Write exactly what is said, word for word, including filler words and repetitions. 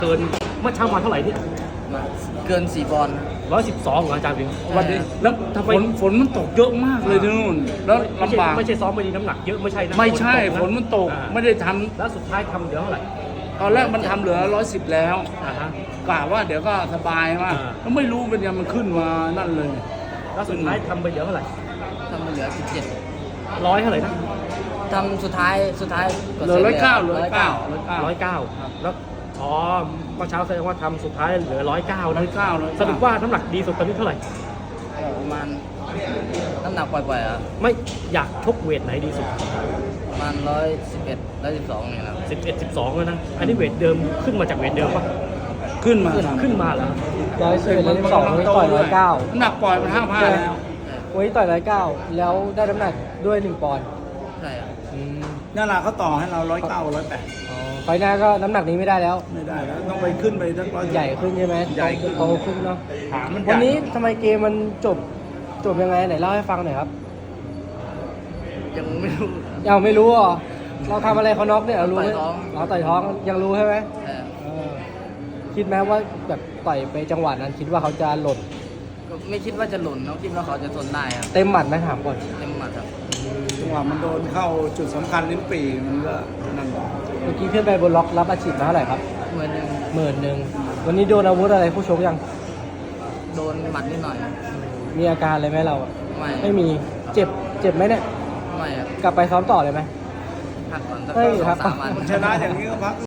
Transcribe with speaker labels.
Speaker 1: เกินเมื่อเช้ามาเท่าไหร่เนี่ย
Speaker 2: มาเกินสี่ปอนด์
Speaker 1: ร้อยสิบสองเหรออาจารย์พิง
Speaker 3: วันนี้แล้วฝนฝนมันตกเยอะมากเลยที่นู่นแล้ว
Speaker 1: ไม่ใช่
Speaker 3: ลำบาก
Speaker 1: ไม่ใช่ซ้อมไม่ดีน้ำหนักเยอะไม่ใช่นะ
Speaker 3: ไม่ใช่ฝ
Speaker 1: ตก
Speaker 3: น
Speaker 1: นะ
Speaker 3: มันตก
Speaker 1: อ่า
Speaker 3: ไม่ได้ท
Speaker 1: แล้วสุดท้ายทำเหลือเท่าไหร่
Speaker 3: ำตอนแรกมันทำเหลือร้อยสิบแล้ว
Speaker 1: อ่าฮะ
Speaker 3: กะว่าเดี๋ยวก็สบายมาก
Speaker 1: อ่า
Speaker 3: แล้วไม่รู้เป็นยังมันขึ้นมานั่นเลย
Speaker 1: แล้วสุดท้ายทำไปเหลือเท่าไหร่
Speaker 2: ทำมาเหลือสิบเจ็ด
Speaker 1: ร้อยเท่าไหร่นะ
Speaker 2: ทำสุดท้ายสุดท้าย
Speaker 3: เหลือร้อยเก้าเหลือร้อยเก้า
Speaker 1: ร้อยเก้าแล้วอ๋อเมื่อเช้าแสดงว่าทำสุดท้ายเหลือร้อยเก้า
Speaker 3: ร้
Speaker 1: นะ
Speaker 3: อยเก้าร้อย
Speaker 1: สรุปว่าน้ำหนักดีสุดตอนนี้เท่าไหร่
Speaker 2: ประมาณน้ำหนักปล่อยๆอ่ะ
Speaker 1: ไม่อยากชกเวทไหนดีสุด
Speaker 2: ประมาณร้อยสิบเอ็ดร้อยสิบสองเนี่ยนะ
Speaker 1: สิบเอ็ดสิบสองแล้วนะอันนี้เวทเดิมขึ้นมาจากเวทเดิมปะ
Speaker 3: ขึ้นมา
Speaker 1: ขึ้นมาแล้ว
Speaker 4: ร้อยสิบเอ็ดร้อยสิบสองวันนี้ต่อยร้อยเก้า
Speaker 3: น้ำหนักปล่อยมันห้าพันแล้ว
Speaker 4: วันนี้ต่อยร้อยเก้าแล้วได้น้ำหนักด้วยหนึ่งปอนด์
Speaker 2: ใช่อ่ะ
Speaker 3: นั่นแหละเขาต่อให้เราร้อยเก้าร้อยแปด
Speaker 4: ไฟหน้าก็น้ำหนักนี้ไม่ได้แล้ว
Speaker 3: ไม่ได้แล้วต้องไปขึ้นไปทั้งร้อย
Speaker 4: ใหญ่ขึ้นใช่ไหม
Speaker 3: ใหญ่ขึ้น
Speaker 4: โตขึ้นเนาะ
Speaker 3: ขามันใหญ่
Speaker 4: วันนี้ทำไมเกมมันจบจบยังไงไหนเล่าให้ฟังหน่อยครับ
Speaker 2: ยังไม่รู้
Speaker 4: ยังไม่รู้เหรอเราทำอะไรเขาน็อกเนี่ยเรารู้ไหม
Speaker 2: ต่อยท้อง
Speaker 4: เราต่อยท้องยังรู้ใช่ไหม
Speaker 2: เออ
Speaker 4: เออคิดไหมว่าแบบต่อยไปจังหวะนั้นคิดว่าเขาจะหล่น
Speaker 2: ก็ไม่คิดว่าจะหล่นนะคิดว่าเขาจะทนได้ครับ
Speaker 4: เต็มหมัดไหมถามก่อน
Speaker 2: เต็มหมัดครับ
Speaker 3: จังหวะมันโดนเข้าจุดสำคัญลิ้นปี่มันก็นั่น
Speaker 4: เมื่อกี้ขึ้นไปบนล็อกรับอาชีพมาเท่าไหร่ครับ
Speaker 2: เหมือนยัง
Speaker 4: หมื่นหนึ่งวันนี้โดนอาวุธอะไรผู้ชกยัง
Speaker 2: โดนหมัดนิดหน่อย
Speaker 4: มีอาการอะไรไหมเราอะ
Speaker 2: ไม่
Speaker 4: ไม่มีเจ็บเจ็บไหมเนี่ย
Speaker 2: ไม่ครับ
Speaker 4: กลับไปซ้อมต่อเลยไหม
Speaker 2: พักก่อนสัก
Speaker 4: เฮ้ย
Speaker 2: สอง
Speaker 4: ครับ
Speaker 2: สามวัน
Speaker 3: ชนะอย่างนี้ก็พัก